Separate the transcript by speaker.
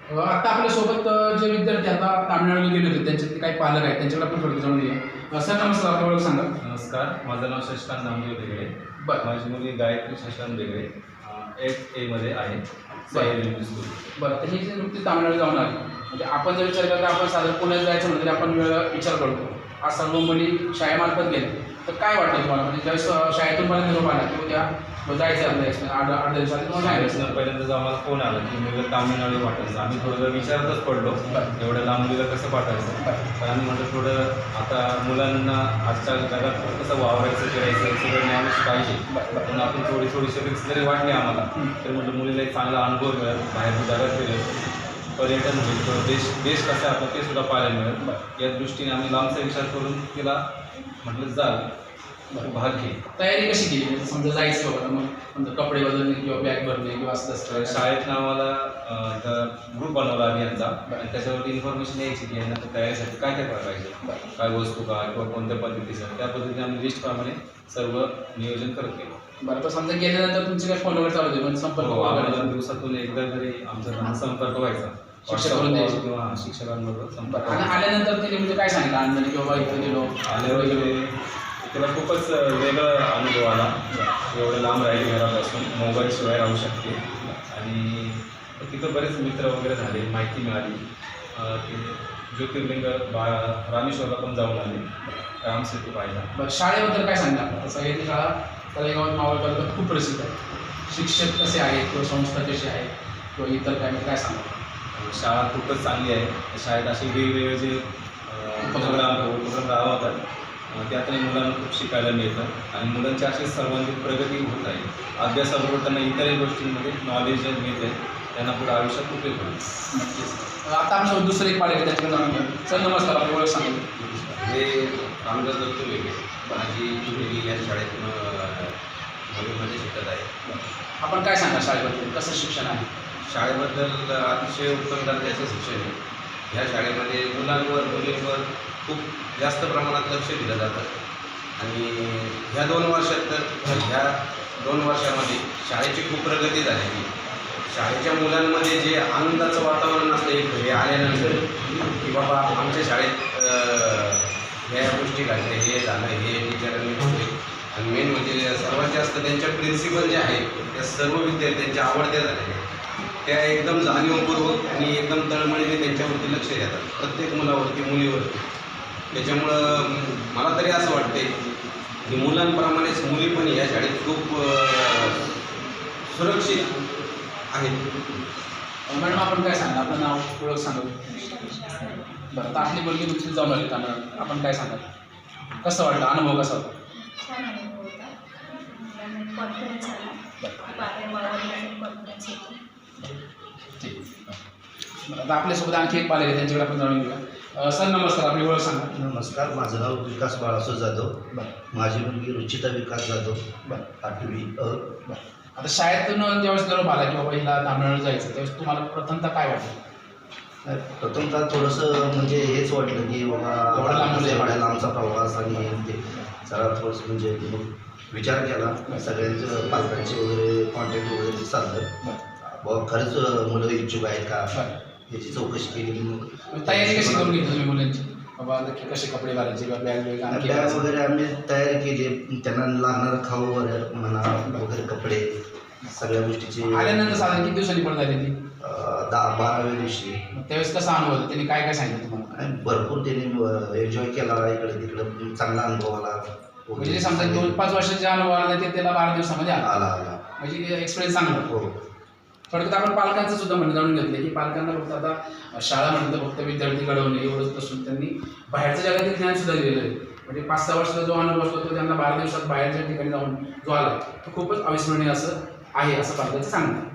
Speaker 1: आता आपल्यासोबत जे विद्यार्थी आता तामिळनाडूला गेले होते त्यांच्यातले काही पालक आहेत त्यांच्याकडे आपण थोडं जाणून घेऊया. सर नमस्कार, आपल्या ओळख सांगा.
Speaker 2: नमस्कार, माझं नाव शशिकांत नामदेव बेगडे.
Speaker 1: बरं.
Speaker 2: माझी मुलगी गायत्री शशिकांत बेगडे 8A मध्ये आहे, साई स्कूल.
Speaker 1: बरं, तर ही जी नुकती तामिळनाडू जाऊन आली, म्हणजे आपण जर विचार करता आपण साधारण पुण्यात जायचं म्हणजे आपण विचार करतो. आज सर्व मुली शाळेमार्फत गेले, तर काय वाटतं तुम्हाला? म्हणजे ज्यावेळेस शाळेतून मला निरोप आला की उद्या जायचं आपल्या 8 दिवसात तुम्हाला सांगायचं.
Speaker 2: पहिल्यांदाच आम्हाला फोन आला की मुलं तामिळनाडू पाठवायचं. आम्ही थोडं विचारतच पडलो एवढ्या लांब मुलीला कसं पाठवायचं. पण आम्ही म्हटलं थोडं आता मुलांना आजच्या जगात कसं वावरायचं, करायचं सगळं ज्ञानच पाहिजे. म्हणून आपण थोडीशी रिक्स जरी वाटली आम्हाला तर म्हटलं मुलीला एक चांगला अनुभव मिळेल, बाहेर जगात गेलं पर्यटन होईल, देश कसं आहे आपलं ते सुद्धा पाहायला मिळेल. या दृष्टीने आम्ही लांबचा विचार करून तिला म्हटलं जाल भाग घे.
Speaker 1: तयारी कशी केली? म्हणजे समजा जायचं बाबा, मग कपडे बदलणे किंवा बॅग भरणे किंवा असं
Speaker 2: शाळेतनं आम्हाला ग्रुप बनवला आम्ही यांचा, आणि त्याच्यावरती इन्फॉर्मेशन यायची की यांना तयारीसाठी काय काय करायचं, काय वस्तू काय किंवा कोणत्या पद्धतीचं, त्या पद्धतीने आम्ही लिस्टप्रमाणे सर्व नियोजन करत गेलो.
Speaker 1: बरं, तर समजा गेल्यानंतर तुमचे काय फोन वगैरे चालू होते म्हणजे संपर्क
Speaker 2: दिवसातून एकदा तरी आमचा संपर्क व्हायचा किंवा शिक्षकांबरोबर संपर्क.
Speaker 1: आणि आल्यानंतर त्यांनी म्हणजे काय सांगितलं आनंदाने की बाबा इथं गेलो
Speaker 2: आल्यावर त्याला खूपच वेगळा अनुभव आला. एवढं लांब राहिली घरापासून, मोबाईलशिवाय राहू शकते, आणि तिथं बरेच मित्र वगैरे झाले, माहिती मिळाली. ते ज्योतिर्लिंग रामेश्वरला पण जाऊन आले, रामसेतू पाहिला.
Speaker 1: बरं, शाळेबद्दल काय सांगता? आता सगळ्यांनी शाळा तळेगावात मावळ तालुक्यात खूप प्रसिद्ध आहे. शिक्षक कसे आहेत किंवा संस्था कशी आहे किंवा इतर काय सांगा?
Speaker 2: शाळा खूपच चांगली आहे. शाळेत असे वेगवेगळे जे उपक्रम राबवतात त्यातून मुलांना खूप शिकायला मिळतं, आणि मुलांची अशी सर्वांगीण प्रगती होत आहे. अभ्यासाबरोबर त्यांना इतरही गोष्टींमध्ये नॉलेज मिळते, त्यांना पुढे आयुष्यात उपयोग होईल.
Speaker 1: नक्कीच. आता आमचं दुसरं एक पाहिजे त्याच्याकडे जाणून घ्या. सर नमस्कार, आपली ओळख सांगा.
Speaker 3: हे रामदास दत्तू वेगळे, माझी मुलगी या शाळेत नववीमध्ये शिकत आहे.
Speaker 1: आपण काय सांगा शाळेबद्दल, कसं शिक्षण आहे?
Speaker 3: शाळेबद्दल अतिशय उत्तम दर्जाचं शिक्षण आहे. ह्या शाळेमध्ये मुलांवर मुलींवर खूप जास्त प्रमाणात लक्ष दिलं जातं, आणि ह्या 2 वर्षात तर ह्या 2 वर्षामध्ये शाळेची खूप प्रगती झालेली. शाळेच्या मुलांमध्ये जे आनंदाचं वातावरण असतं एक घरी आल्यानंतर की बाबा आमच्या शाळेत ह्या गोष्टी घडल्या, हे झालं, हे टीचरांनी केले, आणि मेन म्हणजे सर्वात जास्त त्यांच्या प्रिन्सिपल जे आहेत त्या सर्व विद्यार्थ्यांच्या आवडत्या झालेल्या, त्या एकदम जाणीवपूर्वक आणि एकदम तळमळीने त्यांच्यावरती लक्ष देतात, प्रत्येक मुलावरती मुलीवरती. त्याच्यामुळं मला तरी असं वाटते की मुलांप्रमाणेच मुली पण या शाळेत खूप सुरक्षित आहेत.
Speaker 1: मॅडम आपण काय सांगा? आपलं नाव ओळख सांगा. बरं, तर आपली मुलगी नुकतीच जाऊन आली तामिळनाडू, आपण काय सांगा? कसं वाटलं, अनुभव कसा होता?
Speaker 4: छान अनुभव होता. कॉन्फिडन्स आला. कॉन्फिडन्स होतो.
Speaker 1: ठीक आहे. बरं, आता आपल्यासोबत आणखी एक पालक आहे, त्यांच्याकडे आपण जाणून घेऊया. सर नमस्कार, आपली ओळख सांगा.
Speaker 5: नमस्कार, माझं नाव विकास बाळासो जाधव.
Speaker 1: बरं.
Speaker 5: माझी मुलगी रुचिता विकास जाधव.
Speaker 1: बरं.
Speaker 5: 8वी अ.
Speaker 1: बरं, आता शाळेतून ज्यावेळेस निरोप आला की बाबा हिला तामिळनाडू जायचं, त्यावेळेस तुम्हाला प्रथमतः काय वाटलं?
Speaker 5: प्रथमतः थोडंसं म्हणजे हेच वाटलं की
Speaker 1: एवढा
Speaker 5: बाबा
Speaker 1: लांब
Speaker 5: एवढ्या लांबचा प्रवास, आणि ते जरा थोडंसं म्हणजे मग विचार केला, सगळ्यांचं पालकांचे वगैरे कॉन्टॅक्ट वगैरे साधलं. बाबा खरंच मुलं इच्छुक आहेत का याची चौकशी केली. मग
Speaker 1: तयारी कशी करून घेतली तुम्ही मुलांची? बाबा नक्की कसे कपडे घालायचे किंवा बॅग
Speaker 5: बॅग वगैरे आम्ही तयारी केली, त्यांना लागणारं खाऊ वगैरे म्हणा वगैरे, कपडे, सगळ्या गोष्टीची.
Speaker 1: आल्यानंतर साधारण किती दिवसांनी पण झाली ती?
Speaker 5: 12व्या दिवशी.
Speaker 1: त्यावेळेस कसा अनुभव होता? त्यांनी काय सांगितलं तुम्हाला?
Speaker 5: आणि भरपूर त्यांनी एन्जॉय केला, इकडे तिकडे चांगला अनुभव आला.
Speaker 1: म्हणजे समजा 2-5 वर्षाचा अनुभव आला ते त्याला 12 दिवसामध्ये
Speaker 5: आला.
Speaker 1: म्हणजे एक्सपिरियन्स चांगला.
Speaker 5: हो.
Speaker 1: थोडक्यात आपण पालकांचं सुद्धा म्हणणं जाणून घेतलं की पालकांना फक्त आता शाळा म्हणतं फक्त विद्यार्थी घडवणे एवढंच नसून त्यांनी बाहेरच्या जगातील ज्ञान सुद्धा दिलेलं आहे. म्हणजे 5-6 वर्षाचा जो अनुभव असतो तो त्यांना 12 दिवसात बाहेरच्या ठिकाणी जाऊन जो आला तो खूपच अविस्मरणीय असं आहे, असं पालकांचं सांगणं.